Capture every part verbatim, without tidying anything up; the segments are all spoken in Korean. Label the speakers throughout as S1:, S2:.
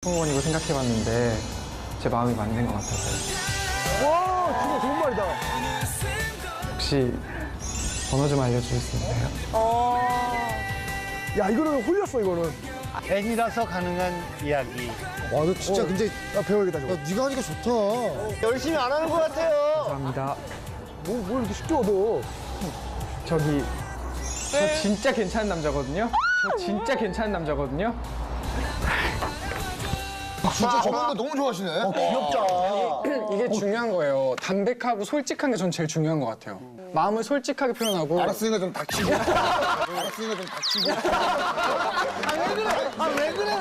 S1: 승무원이고 생각해봤는데 제 마음이 맞는 것 같아서요.
S2: 와, 진짜 좋은 말이다.
S1: 혹시 번호 좀 알려주실 수 있나요?
S3: 어.
S2: 야, 이거는 홀렸어, 이거는.
S4: 팬이라서 가능한 이야기.
S5: 와, 너 진짜
S2: 어.
S5: 근데
S2: 야, 배워야겠다, 저거.
S5: 야, 네가 하니까 좋다.
S4: 열심히 안 하는 것 같아요.
S1: 감사합니다.
S2: 뭐, 뭘 이렇게 쉽게 얻어.
S1: 저기 저 진짜 괜찮은 남자거든요? 저 진짜 괜찮은 남자거든요?
S5: 진짜 저런 거 너무 좋아하시네.
S2: 어, 귀엽다.
S6: 이게 중요한 거예요. 담백하고 솔직한 게 전 제일 중요한 것 같아요. 마음을 솔직하게 표현하고.
S5: 알았으니까 좀 닥치고. 알았으니까 좀 닥치고.
S4: 아, 왜 그래?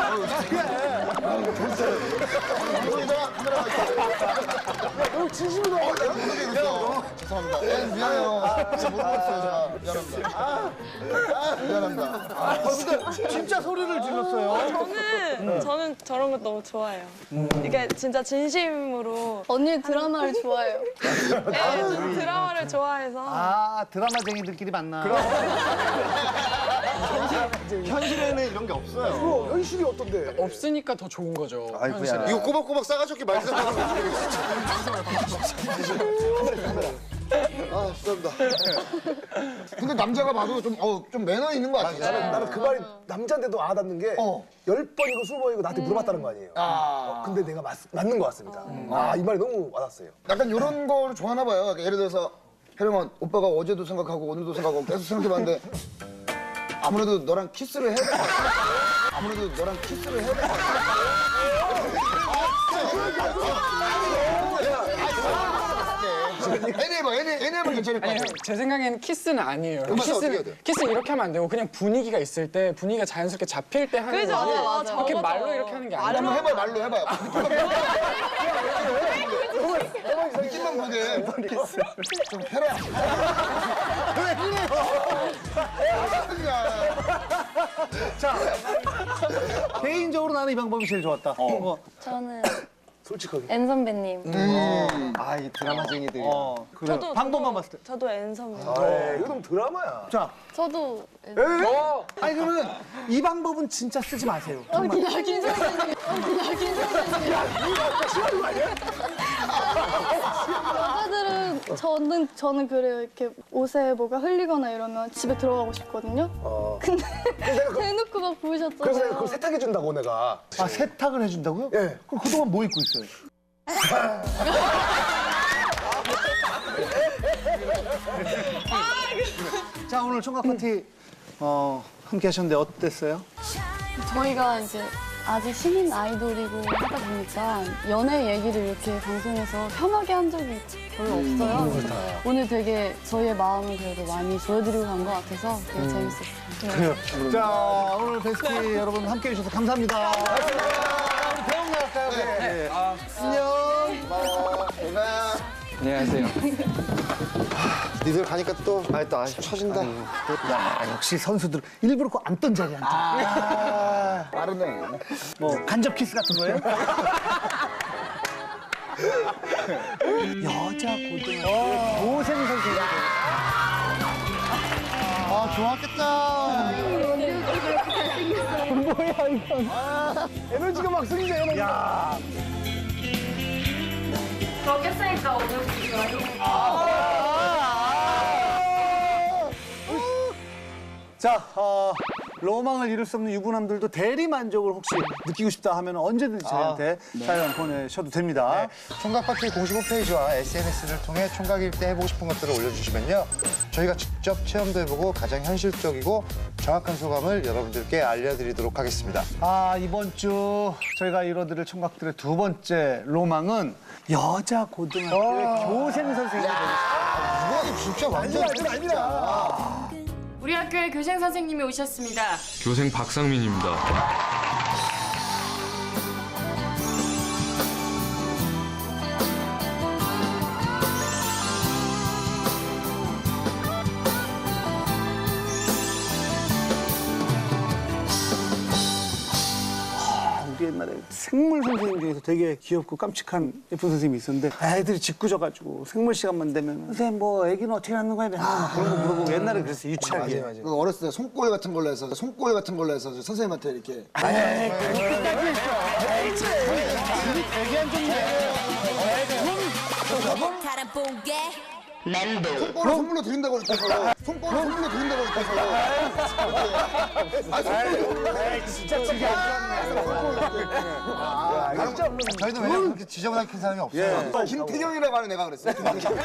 S5: 여기다가 카메라가 있어.
S2: 형, 진심으로.
S5: 어, 내가 모르게 그랬어. 죄송합니다. 예, 미안해요. 진짜 못 봤어요, 제가. 미안합니다. 아, 미안합니다.
S4: 아, 근데 진짜 소리를 질렀어요.
S3: 저는 저는 저런 거 너무 좋아해요. 이게 진짜 진심으로
S7: 언니 드라마를 좋아해요.
S3: 네, 드라마를 좋아해서
S4: 아, 드라마쟁이들끼리 만나. 현실에는 이런 게 없어요.
S2: 어, 현실이 어떤데?
S6: 없으니까 더 좋은 거죠. 현실은.
S5: 이거 꼬박꼬박 싸가지게 말씀하는 아, 죄송합니다. 근데 남자가 봐도 좀, 어, 좀 매너 있는 것 같아.
S2: 나는, 나는 그 말이 남자인데도 와닿는 게
S5: 어.
S2: 열 번이고 스무 번이고 나한테 물어봤다는 거 아니에요. 어, 근데 내가 맞, 맞는 것 같습니다. 아, 이 말이 너무 와닿았어요.
S5: 약간 이런 거를 좋아하나 봐요. 그러니까 예를 들어서 혜령아, 오빠가 어제도 생각하고 오늘도 생각하고 계속 생각해봤는데 아무래도 너랑 키스를 해야 될 것 같아. 아무래도 너랑 키스를 해야 될 것 같아. 애니 해봐, 애니, 애니 해봐 괜찮을 것
S6: 아니,
S5: 같아.
S6: 제 생각에는 키스는 아니에요.
S5: 그럼 어떻게 해야 돼?
S6: 키스는, 키스는 이렇게 하면 안 되고 그냥 분위기가 있을 때 분위기가 자연스럽게 잡힐 때 하는
S3: 그죠,
S6: 거지.
S3: 맞아, 맞아.
S6: 이렇게
S3: 맞아.
S6: 말로 이렇게 하는 게 아니에요.
S5: 한번 해봐요, 말로 해봐요. 느낌만 보게. 좀 해라. 왜 그래요?
S4: 자, 개인적으로 나는 이 방법이 제일 좋았다. 어.
S7: 저는
S2: 솔직하게.
S7: 엔 선배님.
S4: 아, 이 드라마쟁이들이. 어, 그래.
S3: 저도
S4: 방법만
S3: 저도,
S4: 봤을 때.
S3: 저도 앤섬.
S2: 에이, 이거 너무 드라마야.
S4: 자,
S7: 저도
S4: 아니 그러면 이 방법은 진짜 쓰지 마세요. 정말.
S7: 여기 여긴 선배님. 여기 여긴 선배님. 여자들은 저는 저는 그래요. 이렇게 옷에 뭐가 흘리거나 이러면 집에 들어가고 싶거든요.
S2: 어.
S7: 근데
S2: 내가 그-
S7: 대놓고 막
S2: 그래서 내가
S7: 보여줬잖아요.
S2: 그걸 세탁해준다고, 내가.
S4: 아, 세탁을 해준다고요?
S2: 예.
S4: 그럼 그동안 뭐 입고 있어요? 자, 오늘 총각 파티 어, 함께 하셨는데 어땠어요?
S7: 저희가 이제 아직 신인 아이돌이고 하다 보니까 연애 얘기를 이렇게 방송에서 편하게 한 적이 별로 없어요. 그래서 오늘 되게 저희의 마음을 그래도 많이 보여드리고 간 것 같아서 되게 재밌었어요.
S4: 그래요. 자, 오늘 베스트 여러분 함께 해주셔서 감사합니다. 우리 배웅 나갈까요? 네. 안녕.
S5: 고마워. 고마워.
S1: 안녕하세요.
S5: 니들 가니까 또, 아니, 또, 아, 처진다.
S4: 야, 역시 선수들 일부러 그 앉던 자리에 앉아.
S5: 아, 빠르네.
S4: 뭐 간접 키스 같은 거예요? 여자 고등학교 고생 선수가 아, 좋았겠다.
S2: 뭐야, 이건. 에너지가 막 생기네, 에너지. 야.
S7: 그렇게 쓰니까 오늘
S4: 자, 어, 로망을 이룰 수 없는 유부남들도 대리 만족을 혹시 느끼고 싶다 하면 언제든지 저희한테 사연 보내셔도 됩니다.
S5: 총각 파티 공식 홈페이지와 에스엔에스를 통해 총각 일때 해보고 싶은 것들을 올려주시면요. 저희가 직접 체험도 해보고 가장 현실적이고 정확한 소감을 여러분들께 알려드리도록 하겠습니다.
S4: 아, 이번 주 저희가 이뤄드릴 총각들의 두 번째 로망은 여자 고등학교의 교생 선생님이 되겠습니다.
S5: 이건 진짜 완전
S2: 아니야, 아니야.
S8: 우리 학교에 교생 선생님이 오셨습니다.
S9: 교생 박상민입니다.
S4: 우리 옛날에 생물 선생님 중에서 되게 귀엽고 깜찍한 예쁜 선생님이 있었는데 애들이 짓궂어가지고 생물 시간만 되면 선생님 뭐 애기는 어떻게 낳는 거야? 맨날 막 그런 거 물어보고 옛날에 그랬어요, 유치하게.
S5: 맞아요, 맞아요. 그 어렸을 때 손골 같은 걸로 해서 손골 같은 걸로 해서 선생님한테 이렇게
S4: 에이, 그렇게까지 했어. 되게 안 좋네.
S5: 손권을 선물로 드린다고 그랬다고. 손권을 선물로 드린다고 그랬다고. 아, 손권을.
S4: 진짜 지게
S2: 저희도 왜냐면 그렇게 지저분하게 사람이 없어요.
S5: 김태경이라고 하는 애가 그랬어.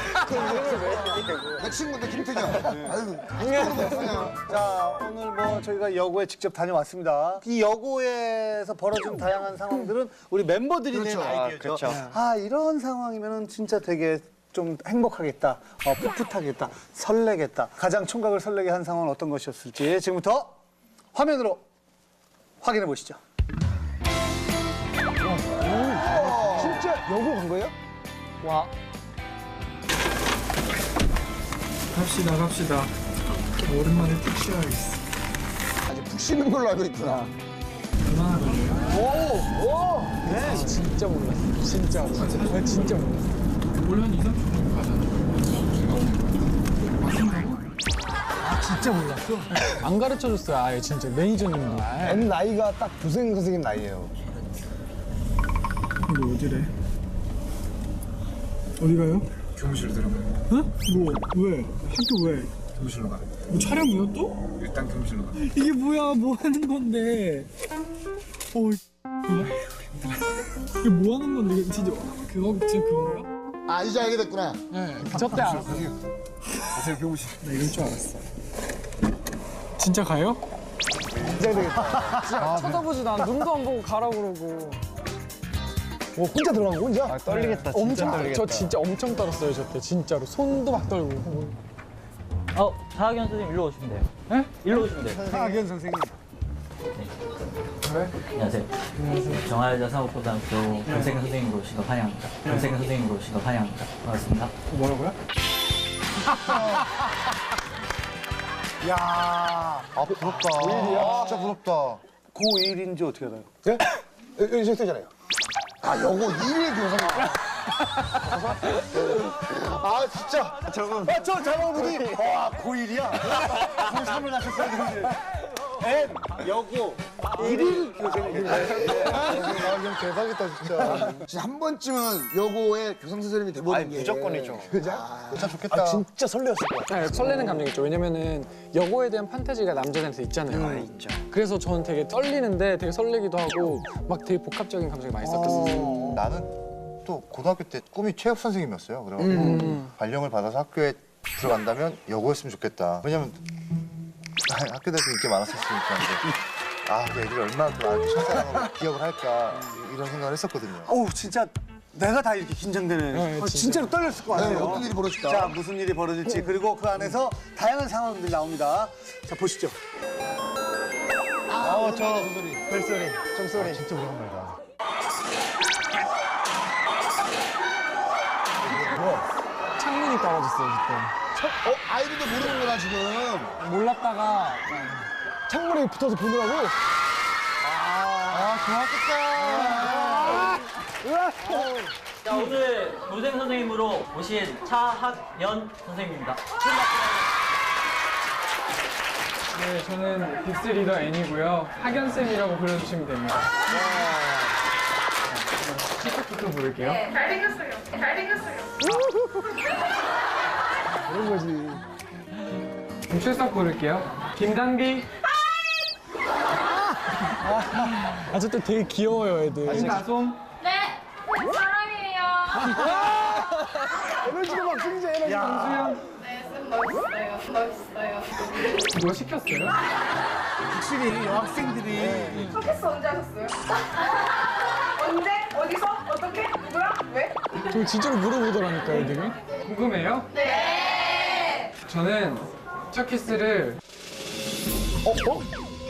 S5: 내 친구인데 김태경. 아유,
S4: 자, 오늘 뭐 저희가 여고에 직접 다녀왔습니다. 이 여고에서 벌어진 다양한 상황들은 우리 멤버들이 낸 아이디어죠. 아, 이런 상황이면은 진짜 되게 좀 행복하겠다, 어, 풋풋하겠다, 설레겠다. 가장 총각을 설레게 한 상황은 어떤 것이었을지 지금부터 화면으로 확인해 보시죠.
S2: 진짜 여고 간 거예요?
S1: 와.
S6: 갑시다 갑시다. 오랜만에 푹 쉬어야겠어.
S5: 아직 푹 쉬는 걸로 알고 있구나.
S1: 진짜 몰랐어. 진짜. 아, 진짜 몰랐어.
S6: 원래 한 이, 삼십 분 가잖아.
S1: 진짜 몰랐어. 안 가르쳐줬어요. 아예 진짜 매니저님도.
S2: M 나이가 딱 교생 선생님 나이예요.
S6: 근데 어디래? 어디 가요?
S9: 교무실로 들어가요.
S6: 어? 뭐 왜? 학교 왜?
S9: 교무실로 가요.
S6: 뭐 촬영이요 또?
S9: 일단 교무실로 가요.
S6: 이게 뭐야? 뭐 하는 건데? 어, 이게 뭐 하는 건데? 이게 진짜 그거 진짜 그건가?
S5: 아, 이제 알게 됐구나.
S1: 네. 저때 알았어.
S9: 가세요 교무실.
S6: 나 이럴 줄 알았어. 진짜 가요?
S1: 진짜 쳐다보지도 않아. 눈도 안 보고 가라고 그러고.
S2: 뭐 혼자 들어간 거 혼자?
S1: 떨리겠다. 엄청 저 진짜 엄청 떨었어요. 저때 진짜로 손도 막 떨고.
S10: 어, 사학연 선생님 일로 오시면 돼요.
S1: 네?
S10: 일로 오시면 돼요.
S4: 하학연 선생님.
S10: 안녕하세요. 안녕하세요. 정화여자 사법고등학교 변세경 선생님으로 오신 거 환영합니다. 변세경 선생님으로 오신 거 환영합니다. 반갑습니다.
S1: 뭐라고요?
S2: 야, 아 부럽다. 고일이야? 진짜 부럽다.
S4: 고일인지 어떻게 알아요?
S2: 예? 여기 저 있잖아요.
S5: 아, 여고 일일 교사님.
S2: 아 진짜.
S4: 저건. 아, 저 장어분이 와, 고일이야? 고삼을 하셨어야 되는데. 엔, 여고, 일일 교생님.
S2: 아, 형 대박이다 진짜.
S5: 진짜 한 번쯤은 여고의 교장 선생님이 돼보는 게.
S2: 무조건이죠. 그죠? 진짜 좋겠다. 아, 진짜 설레었을 것 같아.
S1: 네, 설레는 감정이죠. 왜냐면은 여고에 대한 판타지가 남자들한테 있잖아요.
S2: 아, 있죠.
S1: 그래서 저는 되게 떨리는데 되게 설레기도 하고 막 되게 복합적인 감정이 많이 섞였었어요.
S11: 나는 또 고등학교 때 꿈이 체육 선생님이었어요. 그래가지고 발령을 받아서 학교에 들어간다면 여고였으면 좋겠다. 왜냐면 학교 다닐 때 인기 많았었으니까. 근데 아, 그 애들이 얼마나 또 나한테 첫사랑으로 기억을 할까 이런 생각을 했었거든요.
S4: 어우, 진짜 내가 다 이렇게 긴장되네.
S1: 네,
S4: 어,
S1: 진짜.
S4: 진짜로 떨렸을 것 같아요.
S5: 네, 어떤 일이 벌어질까?
S4: 자, 무슨 일이 벌어질지. 그리고 그 안에서 다양한 상황들이 나옵니다. 자, 보시죠.
S2: 아, 저 벨소리, 종소리. 진짜 오랜만이다.
S1: 창문이 떨어졌어요 그때.
S5: 어, 아이들도 모르는구나, 지금.
S1: 몰랐다가
S2: 창문에 붙어서 보느라고.
S11: 아, 좋았겠다.
S10: 자, 오늘 교생 선생님으로 오신 차학연 선생님입니다.
S1: 네, 저는 빅스 리더 N이고요. 학연쌤이라고 불러주시면 됩니다. 시작부터 부를게요.
S8: 네, 잘생겼어요. 잘생겼어요.
S2: 그런 거지.
S1: 그럼 출석 부를게요. 김단비. 아, 저 때 되게 귀여워요, 애들. 김다솜.
S8: 네, 사랑해요.
S2: 에너지가 막 생기죠, 에너지.
S1: 김수영.
S8: 네, 쌤 멋있어요. 멋있어요.
S1: 누가 시켰어요?
S4: 확실히 여학생들이
S8: 첫 언제 하셨어요? 언제? 어디서? 어떻게? 누구랑? 왜?
S1: 저 진짜로 물어보더라니까, 애들이. 궁금해요?
S8: 네.
S1: 저는 첫 키스를
S2: 어? 어?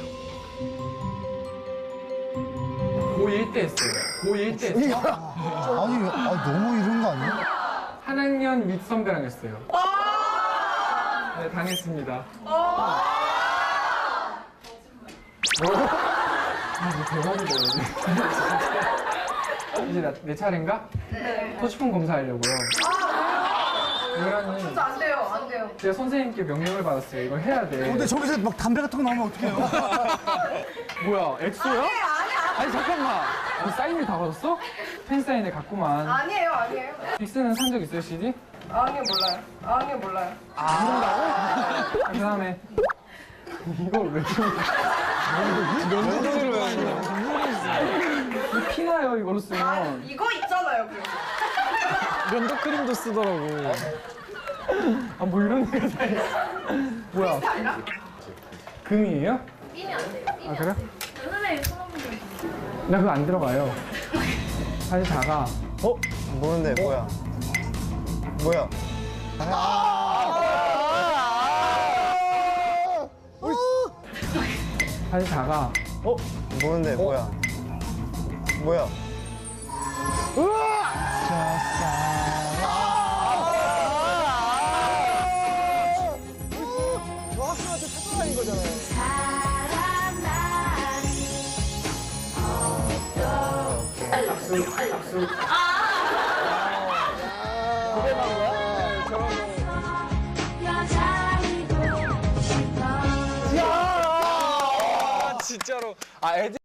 S1: 고일 때 했어요. 고일 때 했어요.
S11: 아니, 아, 너무 이런 거 아니야?
S1: 한 학년 윗선배랑 했어요. 네, 당했습니다. 아, 이거 대박이다, 이제. 이제 나, 내 차례인가?
S8: 네.
S1: 토치폰 검사하려고요. 왜냐면
S8: 안 돼요. 안 돼요.
S1: 제가 선생님께 명령을 받았어요. 이걸 해야 돼.
S4: 근데 저기서 막 담배 같은 거 나오면 어떡해요?
S1: 뭐야, 엑소야? 아니, 아니, 아니. 아니, 잠깐만. 이 사인을 다 받았어? 팬사인회 갔구만.
S8: 아니에요, 아니에요.
S1: 빅스는 산 적 있어요, 씨디?
S8: 아니요, 몰라요. 아니요, 몰라요.
S1: 아, 그 다음에 이걸 왜 면도기로 해야 돼? 피나요, 이걸로
S8: 아,
S1: 쓰면.
S8: 이거 있잖아요, 그럼.
S1: 면도 크림도 쓰더라고. 아, 뭐 이런 데가 다 있어. 뭐야? 금이에요?
S12: 끼면 안 돼요.
S1: 아, 그래?
S12: 선생님 손 한번 좀.
S1: 나 그거 안 들어가요. 사실 작아.
S11: 어? 모르는데 뭐야? 뭐야?
S1: 사실 작아.
S11: 어? 모르는데 뭐야? 뭐야?
S2: 저 학생한테 사랑인 거잖아요.
S1: 진짜로. 아, 애들.